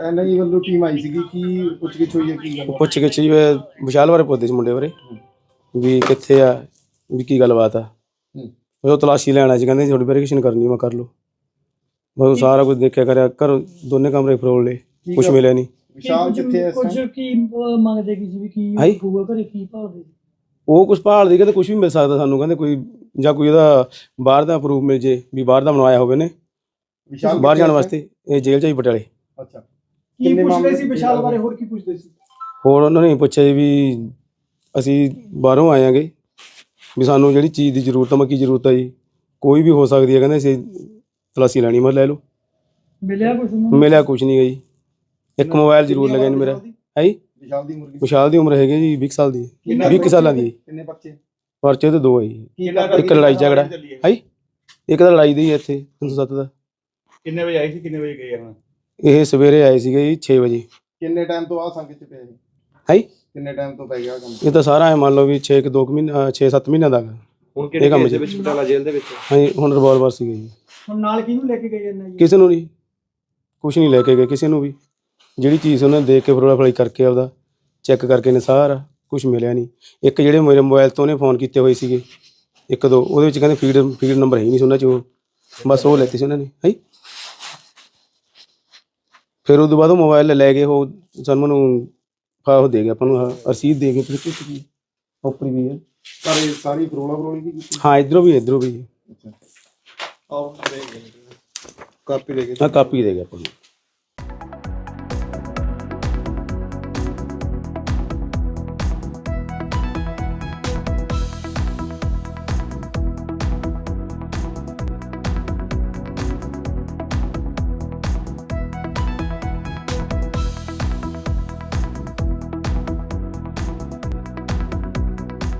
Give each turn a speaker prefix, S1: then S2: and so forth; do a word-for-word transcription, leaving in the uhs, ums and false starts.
S1: ਇਹਨਾਂ ਦੀ ਵੱਲੋਂ ਟੀਮ ਆਈ ਸੀਗੀ ਕੀ ਪੁੱਛ ਗਿੱਛ ਹੋਈ ਹੈ ਕੀ ਗੱਲ
S2: ਪੁੱਛ ਗਿੱਛ ਜੀ ਵਿਸ਼ਾਲ ਬਾਰੇ ਪੁੱਛਦੇ ਸੀ ਮੁੰਡੇ ਬਾਰੇ ਵੀ ਕਿੱਥੇ ਆ ਵੀ ਕੀ ਗੱਲਬਾਤ ਆ ਉਹ ਤਲਾਸ਼ੀ ਲੈਣਾ ਸੀ ਕਹਿੰਦੇ ਥੋੜੀ ਵੈਰੀਫਿਕੇਸ਼ਨ ਕਰਨੀ ਮੈਂ ਕਰ ਲਓ ਬਸ ਸਾਰਾ ਕੁਝ ਦੇਖਿਆ ਕਰਿਆ ਘਰੋਂ ਦੋਨੇ ਕਮਰੇ ਫਰੋਲ ਲਏ ਕੁਝ ਮਿਲਿਆ ਨਹੀਂ
S1: ਵਿਸ਼ਾਲ ਕਿੱਥੇ ਹੈ
S3: ਕੁਝ ਕੀ ਮੰਗਦੇ ਕੀ ਸੀ ਵੀ ਕੀ ਹੋਊਗਾ ਘਰੇ ਕੀ ਭਾਲਦੇ
S2: ਉਹ ਕੁਝ ਭਾਲਦੇ ਕਹਿੰਦੇ ਕੁਝ ਵੀ ਮਿਲ ਸਕਦਾ ਸਾਨੂੰ ਕਹਿੰਦੇ ਕੋਈ ਜਾਂ ਕੋਈ ਉਹਦਾ ਬਾਹਰ ਦਾ ਪ੍ਰੂਫ ਮਿਲ ਜੇ ਵੀ ਬਾਹਰ ਦਾ ਬਣਵਾਇਆ ਹੋਵੇ ਨੇ
S1: ਵਿਸ਼ਾਲ
S2: ਬਾਹਰ ਜਾਣ ਵਾਸਤੇ ਇਹ ਜੇਲ੍ਹ 'ਚ ਹੀ ਪਟਿਆਲੇ
S1: ਅੱਛਾ
S3: ਕੀ ਪੁੱਛਦੇ ਸੀ ਵਿਸ਼ਾਲ ਬਾਰੇ ਹੋਰ ਕੀ ਪੁੱਛਦੇ ਸੀ
S2: ਹੋਰ ਉਹਨਾਂ ਨੇ ਪੁੱਛਿਆ ਵੀ ਅਸੀਂ ਬਾਹਰੋਂ ਆਏ ਆਂਗੇ ਵੀ ਸਾਨੂੰ ਜਿਹੜੀ ਚੀਜ਼ ਦੀ ਜ਼ਰੂਰਤ ਆ ਮੈਂ ਕੀ ਜ਼ਰੂਰਤ ਆ ਜੀ ਕੋਈ ਵੀ ਹੋ ਸਕਦੀ ਹੈ ਕਹਿੰਦੇ ਅਸੀਂ ਤਲਾਸ਼ੀ ਲੈਣੀ ਮੈਂ ਲੈ ਲਓ
S3: ਮਿਲਿਆ ਕੁਝ
S2: ਮਿਲਿਆ ਕੁਝ ਨਹੀਂ ਜੀ ਇੱਕ ਮੋਬਾਈਲ ਜ਼ਰੂਰ ਲੱਗਿਆ ਨਹੀਂ ਮੇਰਾ ਹੈ ਜੀ
S1: ਵਿਸ਼ਾਲ ਦੀ ਉਮਰ
S2: ਵਿਸ਼ਾਲ ਦੀ ਉਮਰ ਹੈਗੀ ਜੀ ਵੀਹ ਸਾਲ ਦੀ ਵੀਹ ਸਾਲਾਂ ਦੀ
S1: ਕਿੰਨੇ ਬੱਚੇ
S2: ਪਰਚੇ ਤੇ ਦੋ ਹੈ ਜੀ ਇੱਕ ਲੜਾਈ ਝਗੜਾ ਹੈ ਇੱਕ ਤਾਂ ਲੜਾਈ ਦੀ ਹੈ ਇੱਥੇ ਤਿੰਨ ਸੌ ਸੱਤ ਦਾ
S1: ਕਿੰਨੇ ਵਜੇ ਆਈ ਸੀ ਕਿੰਨੇ ਵਜੇ ਗਏ ਹੁਣ
S2: ਇਹ ਸਵੇਰੇ ਆਏ ਸੀਗੇ ਜੀ ਛੇ ਵਜੇ
S1: ਕਿੰਨੇ ਟਾਈਮ ਤੋਂ ਆ ਸੰਗਤ ਚ ਪਿਆ ਜੀ
S2: ਹੈ
S1: ਕਿੰਨੇ ਟਾਈਮ ਤੋਂ ਪੈ ਗਿਆ ਕੰਮ
S2: ਇਹ ਤਾਂ ਸਾਰਾ ਹੈ ਮੰਨ ਲਓ ਵੀ ਛੇ ਕੁ ਦੋ ਕੁ ਮਹੀਨੇ ਛੇ ਸੱਤ ਮਹੀਨਿਆਂ ਦਾ
S1: ਹੁਣ ਕਿਹੜੇ ਕੇਸ ਦੇ ਵਿੱਚ ਪਟਿਆਲਾ ਜੇਲ੍ਹ ਦੇ ਵਿੱਚ
S2: ਹਾਂਜੀ ਹੁਣ ਰਿਵਾਲਵਰ ਸੀਗੇ ਜੀ
S3: ਹੁਣ ਨਾਲ ਕਿਹਨੂੰ ਲੈ ਕੇ ਗਏ ਇਹਨਾਂ ਜੀ
S2: ਕਿਸੇ ਨੂੰ ਨਹੀਂ ਕੁਛ ਨਹੀਂ ਲੈ ਕੇ ਗਏ ਕਿਸੇ ਨੂੰ ਵੀ ਜਿਹੜੀ ਚੀਜ਼ ਉਹਨਾਂ ਨੇ ਦੇਖ ਕੇ ਫਰੋਲਾ ਫਲਾਈ ਕਰਕੇ ਆਪਦਾ ਚੈੱਕ ਕਰਕੇ ਨੇ ਸਾਰਾ ਕੁਝ ਮਿਲਿਆ ਨਹੀਂ ਇੱਕ ਜਿਹੜੇ ਮੇਰੇ ਮੋਬਾਈਲ ਤੋਂ ਉਹਨੇ ਫੋਨ ਕੀਤੇ ਹੋਏ ਸੀਗੇ ਇੱਕ ਦੋ ਉਹਦੇ ਵਿੱਚ ਕਹਿੰਦੇ ਫੀਡ ਫੀਡ ਨੰਬਰ ਹੈ ਹੀ ਨਹੀਂ ਸੀ ਉਹਨਾਂ 'ਚ ਉਹ ਬਸ ਉਹ ਲੈਤੀ ਸੀ ਉਹਨਾਂ ਨੇ ਹੈ ਫਿਰ ਉਹ ਤੋਂ ਬਾਅਦ ਉਹ ਮੋਬਾਈਲ ਲੈ ਗਏ ਉਹ ਸਾਨੂੰ ਨੂੰ ਉਹ ਦੇ ਗਿਆ ਆਪਾਂ ਨੂੰ ਰਸੀਦ ਦੇ ਗਏ ਉੱਪਰ ਵੀ ਹੈ
S1: ਸਾਰੀ ਸਾਰੀ ਫਰੋਲਾ ਫਰੋਲੀ ਦੀ ਕੀਤੀ
S2: ਹਾਂ ਇੱਧਰੋਂ ਵੀ ਇੱਧਰੋਂ ਵੀ
S1: ਅੱਛਾ ਆਓ ਦੇ ਕਾਪੀ ਦੇ ਗਏ
S2: ਹਾਂ ਕਾਪੀ ਦੇ ਗਿਆ ਆਪਾਂ ਨੂੰ